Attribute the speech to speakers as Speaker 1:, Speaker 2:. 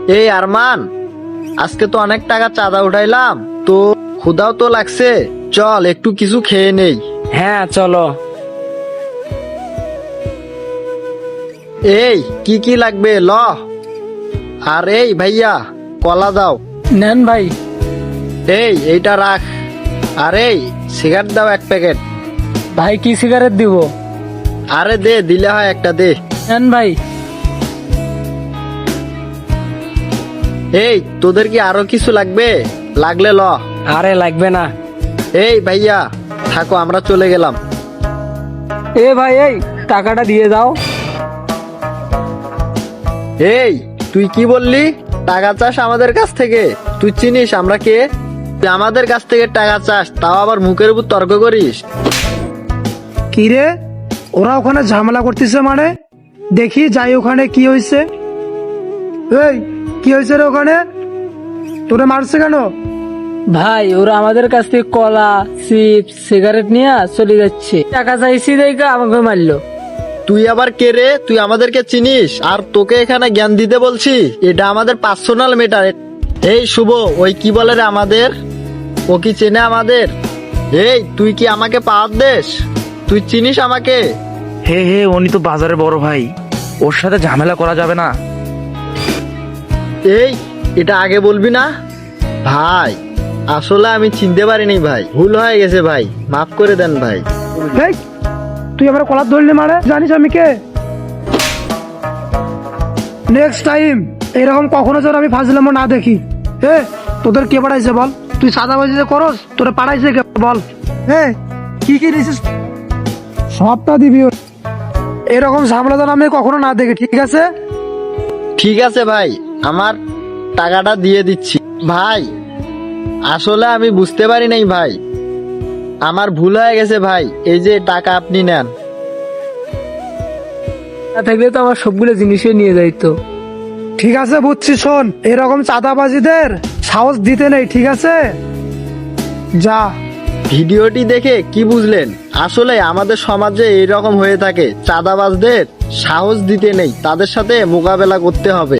Speaker 1: এই আরমান, আজকে তো অনেক টাকা চাঁদা উঠাইলাম, তো ক্ষুধাও তো লাগছে, চল একটু কিছু খেয়ে নেই।
Speaker 2: হ্যাঁ চলো।
Speaker 1: এই কি কি লাগবে ল। আর এই ভাইয়া, কলা দাও।
Speaker 2: নেন ভাই।
Speaker 1: এইটা রাখ। আর এই সিগারেট দাও 1 প্যাকেট।
Speaker 2: ভাই কি সিগারেট দিব?
Speaker 1: আরে দে, দিলে হয় একটা দে।
Speaker 2: নেন ভাই।
Speaker 1: এই তোদের কি আরো কিছু লাগবে? লাগলে ল।
Speaker 2: আরে লাগবে না।
Speaker 1: এই ভাইয়া থাকো, আমরা চলে গেলাম।
Speaker 2: এ ভাই, এই টাকাটা দিয়ে দাও।
Speaker 1: এই তুই কি বললি? টাকা চাস আমাদের কাছ থেকে? তুই চিনিস আমরা কে? তুই আমাদের কাছ থেকে টাকা চাস, তাও আবার মুখের উপর তর্ক করিস?
Speaker 3: কি রে, ওরা ওখানে ঝামেলা করতেছে মানে? দেখি যাই ওখানে কি হয়েছে। এই কি হয়েছে রে ওখানে? তোরে মারছে কেন?
Speaker 2: ভাই ওরা আমাদের কাছ থেকে কলা, চিপস, সিগারেট নিয়ে চলে যাচ্ছে। টাকা চাইছি দেখে আমাকে মারলো।
Speaker 1: তুই আবার কে রে? তুই আমাদেরকে চিনিস? আর তোকে এখানে জ্ঞান দিতে বলছি? এটা আমাদের পার্সোনাল ম্যাটার। এই শুভ, ওই কি বলে রে আমাদের? ও কি চেনে আমাদের? এই তুই কি আমাকে পাওয়ার দেশ? তুই চিনিস আমাকে?
Speaker 4: হে হে, উনি তো বাজারে বড় ভাই, ওর সাথে ঝামেলা করা যাবে না।
Speaker 1: এই এটা আগে বলবি না? ভাই আসলে আমি চিনতে পারিনি ভাই, ভুল হয়ে গেছে ভাই, মাফ করে দেন ভাই।
Speaker 3: এই তুই আমার কলার ধরলি মানে? জানিস আমি কে? নেক্সট টাইম এরকম কখনো যেন আমি ফাজলামো না দেখি। তোদের কে পাঠাইছে বল? তুই সাদাবাজি যে করস, তোরা পাঠাইছে কে বল? কি কি নিছিস সবটা দিবি। এরকম ঝামেলা যেন আমি কখনো না দেখি, ঠিক আছে?
Speaker 1: ঠিক আছে ভাই, আমার টাকাটা দিয়ে দিচ্ছি। ভাই আসলে আমি বুঝতে পারি নাই ভাই, আমার ভুল হয়ে গেছে ভাই, এই যে টাকা আপনি নেন।
Speaker 2: না থাকলে তো আমার সবগুলো জিনিসই নিয়ে যাইতো।
Speaker 3: ঠিক আছে বুঝছি, শোন, এরকম চাঁদাবাজিদের সাহস দিতে নেই, ঠিক আছে? যা।
Speaker 1: ভিডিওটি দেখে কি বুঝলেন? আসলে আমাদের সমাজে এইরকম হয়ে থাকে, চাঁদাবাজদের সাহস দিতে নেই, তাদের সাথে মোকাবেলা করতে হবে।